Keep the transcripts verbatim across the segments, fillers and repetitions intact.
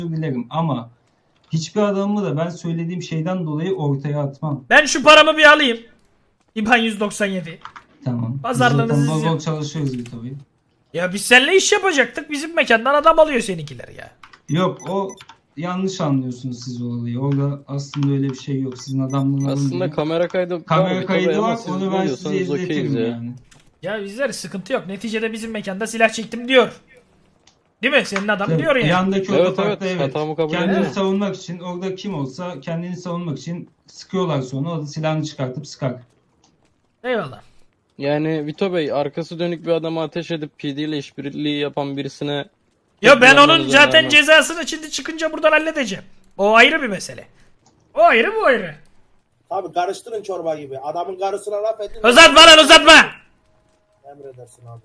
dilerim ama hiçbir adamımı da ben söylediğim şeyden dolayı ortaya atmam. Ben şu paramı bir alayım. İban yüz doksan yedi. Tamam. Pazarlığınızı Biz zaten bol bol izliyorum. çalışıyoruz bir tabii. Ya biz seninle iş yapacaktık. Bizim mekandan adam alıyor seninkiler ya. Yok o yanlış anlıyorsunuz siz o olayı. Orada aslında öyle bir şey yok. Sizin adamlığın Aslında kamera kaydı kamera var, kaydı ama var. siz Onu ben size biliyorsanız okeyiz izletirim ya. yani. Ya bizler sıkıntı yok. Neticede bizim mekanda silah çektim diyor. Değil mi? Senin adam Tabii, diyor yani. Yandaki Evet, otoparkta evet, evet. hatamı kabul Kendini ediyorum. savunmak için orada kim olsa kendini savunmak için sıkıyorlar sonra. O da silahını çıkartıp sıkar. Eyvallah. Yani Vito Bey arkası dönük bir adama ateş edip P D ile işbirliği yapan birisine... Ya ben onun kullanmanızı zaten önermem. cezasını şimdi çıkınca buradan halledeceğim. O ayrı bir mesele. O ayrı bu ayrı. Abi karıştırın çorba gibi. Adamın karısına laf edin. Uzatma lan uzatma. Emredersin abi.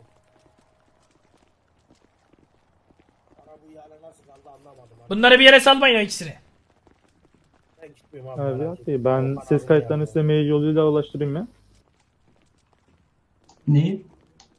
Bana bu ihale nasıl kaldı anlamadım abi. Bunları bir yere salmayın o ikisini. Ben gitmiyorum abi. Evet, merak iyi. etme. Ben O ses paranın kayıtlarını yani. size mail yoluyla ulaştırayım mı? Neyi?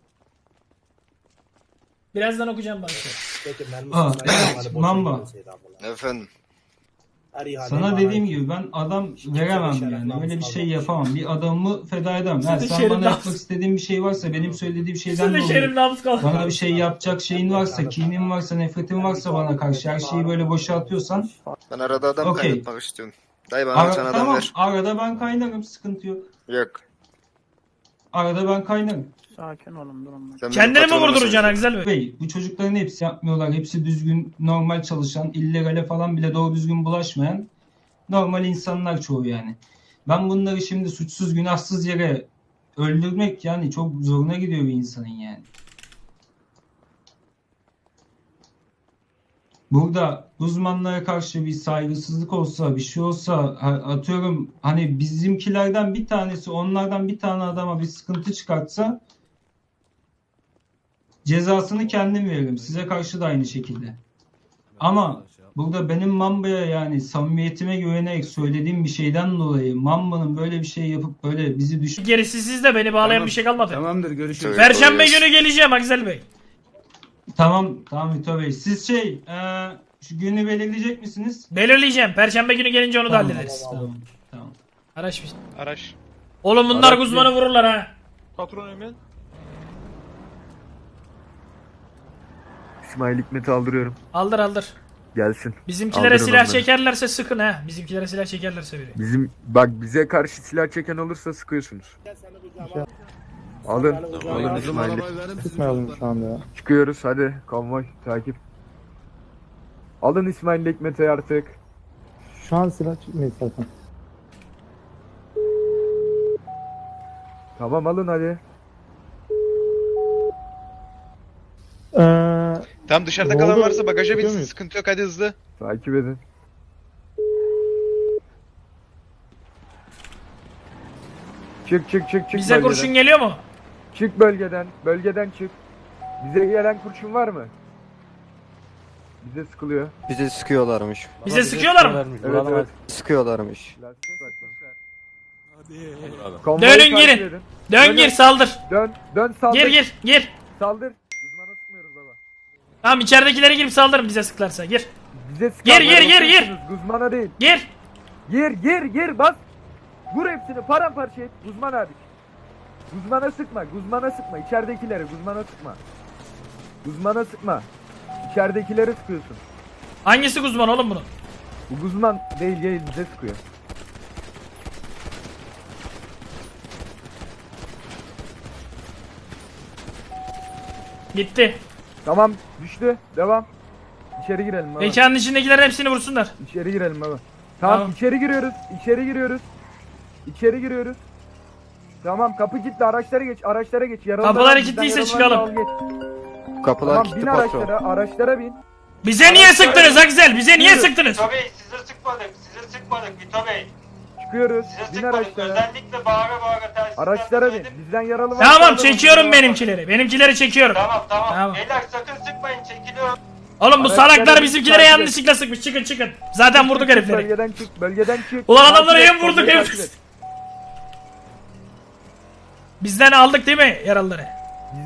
Birazdan okuyacağım bana. Peki, mermisi Aa, sniper evet, ihale boşa Mamba. gitmeseydi abla. Efendim. Her ihale Sana bana dediğim ait. gibi ben adam Hiç veremem kimsenin yani. şeref Öyle bir namus şey kalmamış. yapamam. Bir adamımı feda edemem. Ha, Sizin sen şerif bana namus- yapmak istediğin bir şey varsa benim söylediğim şeyden Sizin dolayı şerif namus kaldı. bana bir şey yapacak şeyin varsa, kinin varsa, nefretin varsa bana karşı her şeyi böyle boşa atıyorsan Ben arada adam Okey. kaynatmak istiyorum. Dayı bana ara, bir tane adam tamam ver. arada ben kaynarım, sıkıntı yok. Yok. Arada ben kaynarım. Sakin olun durumda. Sen benim Kendini mi patronuma vurduracaksın söyle. Güzel Bey? Bey, bu çocukların hepsi yapmıyorlar. Hepsi düzgün, normal çalışan, illegale falan bile doğru düzgün bulaşmayan normal insanlar çoğu yani. Ben bunları şimdi suçsuz günahsız yere öldürmek yani çok zoruna gidiyor bir insanın yani. Burada uzmanlara karşı bir saygısızlık olsa, bir şey olsa, atıyorum hani bizimkilerden bir tanesi onlardan bir tane adama bir sıkıntı çıkartsa cezasını kendim veririm. Size karşı da aynı şekilde. Ama burada benim Mamba'ya yani samimiyetime güvenerek söylediğim bir şeyden dolayı Mamba'nın böyle bir şey yapıp böyle bizi düş... Gerisi sizde, beni bağlayan Tamam. bir şey kalmadı. Tamamdır, görüşürüz. Evet. Perşembe Kolay günü geleceğim Güzel Bey. Tamam, tamam Vito Bey. Siz şey, e, şu günü belirleyecek misiniz? Belirleyeceğim. Perşembe günü gelince onu da Tamam, hallederiz. Tamam, tamam. Araç bir. Araç. Oğlum bunlar Araç Guzman'ı vururlar ha. Patron Emin. İsmail Hikmet'i aldırıyorum. Aldır aldır. Gelsin. Bizimkilere Aldırın silah onları. çekerlerse sıkın ha. Bizimkilere silah çekerlerse biri. Bizim bak bize karşı silah çeken olursa sıkıyorsunuz. Gel seni kucağıma. Alın. Sen beni kucağıma Alın al. İsmail'i. Tutmayalım şu anda ya. Çıkıyoruz hadi. Konvoy takip. Alın İsmail Hikmet'i artık. Şu an silah çıkmayız zaten. Tamam alın hadi. Eee... Tam dışarıda Ne kalan oldu? varsa bagaja Çıkıyor binsin. muyuz? Sıkıntı yok, hadi hızlı. Takip edin. Çık çık çık çık Bize bölgeden. kurşun geliyor mu? Çık bölgeden. Bölgeden çık. Bize gelen kurşun var mı? Bize sıkılıyor. Bize sıkıyorlarmış. Bize sıkıyorlar mı? Evet evet. Sıkıyorlarmış. Konvoyu Dönün, takip girin. edin. Dön Dönün. gir saldır. Dön dön saldır. Gir gir gir. Saldır. Uzmana sıkmıyoruz baba. Tamam içeridekileri girip saldırın bize sıklarsa gir. Bize Gir, sıkanlara gir, gir, gir. bakıyorsunuz, Guzmana değil. Gir. Gir gir gir bas. Vur hepsini paramparça et. Guzman abi. Guzmana sıkma. Guzmana sıkma. İçeridekileri Guzmana sıkma. Guzmana sıkma. İçeridekileri sıkıyorsun. Hangisi Guzman oğlum bunun? Bu Guzman değil değil bize sıkıyor. Gitti. Tamam düştü. Devam. İçeri girelim baba. Mekanın içindekilerin hepsini vursunlar. İçeri girelim baba. Tamam, Tamam. içeri giriyoruz. İçeri giriyoruz. İçeri giriyoruz. Tamam kapı kilitli, araçlara geç, araçlara geç. Yaralıları Kapılar al, bizden kilitliyse yaralıları çıkalım. al, geç. Kapılar Tamam kilitli bin patron. araçlara, araçlara bin. Bize niye sıktınız Akzel? Bize niye sıktınız? Vito Bey size sıkmadık, size sıkmadık Vito Bey. Çıkıyoruz. Size Bin sıkmadık, araçlara. özellikle bağıra bağıra telsizden Araçlara bin. söyledim. Bizden yaralı var. Tamam yaralı var. çekiyorum benimkileri. Benimkileri çekiyorum. Tamam, tamam Tamam. Beyler sakın sıkmayın, çekiliyorum. Oğlum bu Araçları salaklar bir bizimkilere takip et. yanlışlıkla sıkmış. Çıkın çıkın. Zaten vurduk Çık, herifleri. Bölgeden çık, bölgeden çık. Ulan Takip adamları et, hem vurduk konvoyu hem... takip et. Bizden aldık değil mi yaralıları?